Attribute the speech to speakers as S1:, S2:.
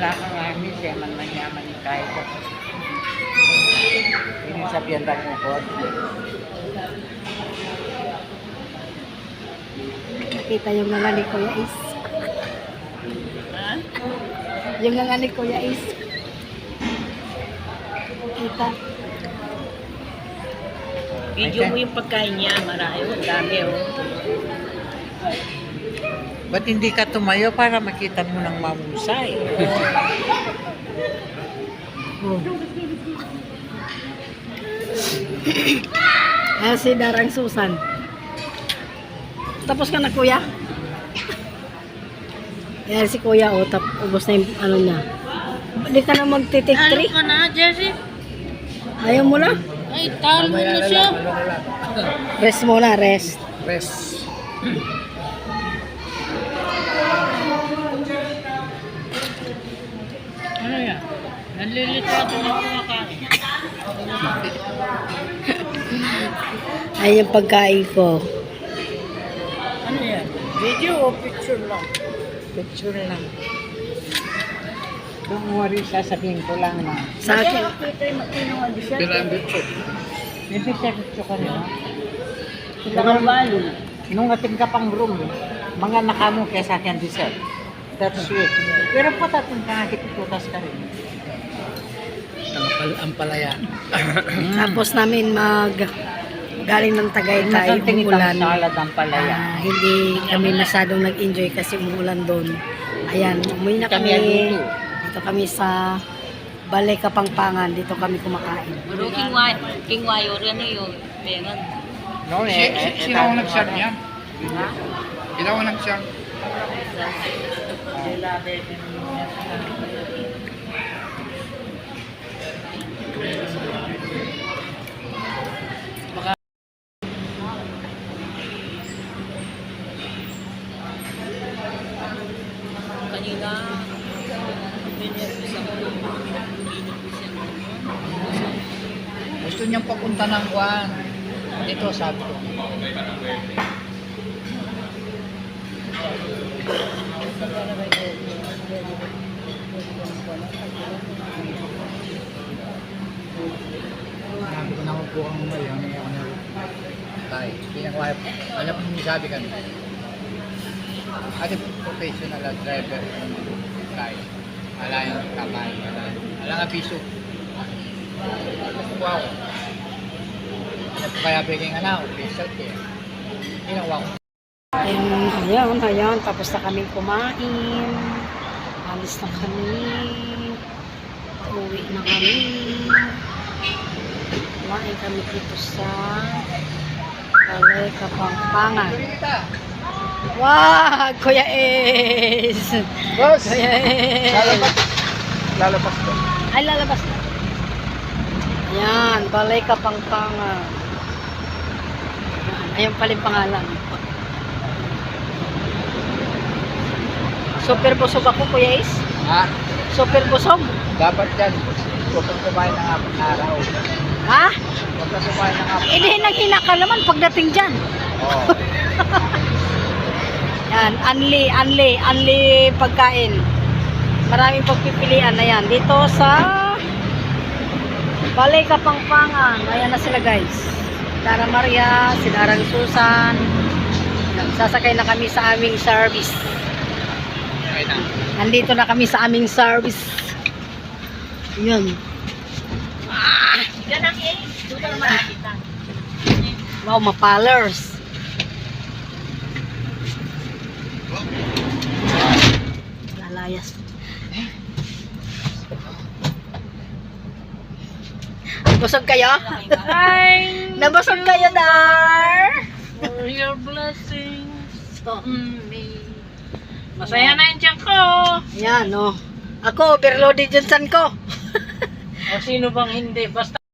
S1: Wala kang amis, man manyaman ni kahit ko. Ini sabihan lang mo ko.
S2: Nakita yung nga ni Kuya Is.
S1: Ha?
S2: Yung nga ni Kuya Is. Kita.
S3: Video mo yung pagkain niya, marami, ang dami oh.
S1: Ba't hindi ka tumayo para makita mo ng mamusay?
S2: Oh. Ayan si Darang Susan. Tapos ka na, Kuya? Ayan si Kuya, oh, ubos na yung ano niya. Hindi ka na mag-take
S3: Ano
S2: 3?
S3: ka na, Jessie?
S2: Ayaw mo na?
S3: Ay, talo na siya.
S2: Rest muna, rest.
S1: Rest.
S3: Ano yan? Nalilito ako na kumakain.
S2: Ayan yung pagkain ko.
S3: Ano yan? Video o picture lang?
S1: Picture lang. Don't worry, sasabihin ko lang na.
S2: Sa akin,
S1: Hindi siya gusto ko nila.
S3: Sila karbalo.
S1: Nung ating kapang room, mga nakamo kaya sa akin dessert. That's sweet. Pero patatong kahit itutas ka rin. Ang palaya.
S2: tapos namin galing ng Tagaytay, umulan.
S1: Salad ang palaya.
S2: Hindi kami masyadong nag-enjoy kasi umulan doon. Ayan, umuwi na
S1: Kami
S2: kami.
S1: dito.
S2: Dito kami sa Balay Kapangpangan. Dito kami kumakain.
S3: Pero King Wayo rin yun. Meron.
S1: No,
S4: Sino ang nag-share niyan?
S1: Ha?
S4: Sino ang nag-share?
S3: Kanina, pinervis ako.
S4: Gusto niyang papunta ng Juan. Dito, sabi ko. Sabi ko na po kang umay. Ang ako na tayo. Pinakawaya. Alam mo yung sabi kami. Ate professional at driver. Tayo. Ala yung kamay. Ala nga piso. Wow. Kaya bigay nga na, official kaya. Ginawa ko.
S2: Ayan. Tapos na kami kumain. Alis na kami. Uwi na kami. Kumain kami dito sa Balay Kapangpangan. Wow! Kuya Es!
S4: Boss!
S2: Kuya Es!
S4: Lalapas ko.
S2: Ay, lalabas na. Ayan, Balay Kapangpangan. Ayan pala yung pangalan. Super busog ako, Kuya Es.
S4: Ha?
S2: Super busog.
S4: Dapat yan. Huwag kang kumain ng 4 araw.
S2: Ha?
S4: Huwag kang kumain ng 4
S2: Hindi, nag-ina ka naman pagdating dyan.
S4: Oo.
S2: Yan, unli pagkain. Maraming pagpipilian na yan. Dito sa Balay Kapangpangan. Ayan na sila, guys. Dara Maria, si Darang Susan. Sasakay na kami sa aming service.
S4: Okay na.
S2: Nandito na kami sa aming service. Yun.
S3: Yan ang eh. Doon ang makikita.
S2: Wow, mapalers. Lalayas. Busog kayo?
S3: Hi!
S2: Nabusog kayo, Dar?
S3: For your blessings on me. Masaya na yung tiyan ko.
S2: Yan, no. Ako, overloaded yung san ko.
S3: O sino bang hindi? Basta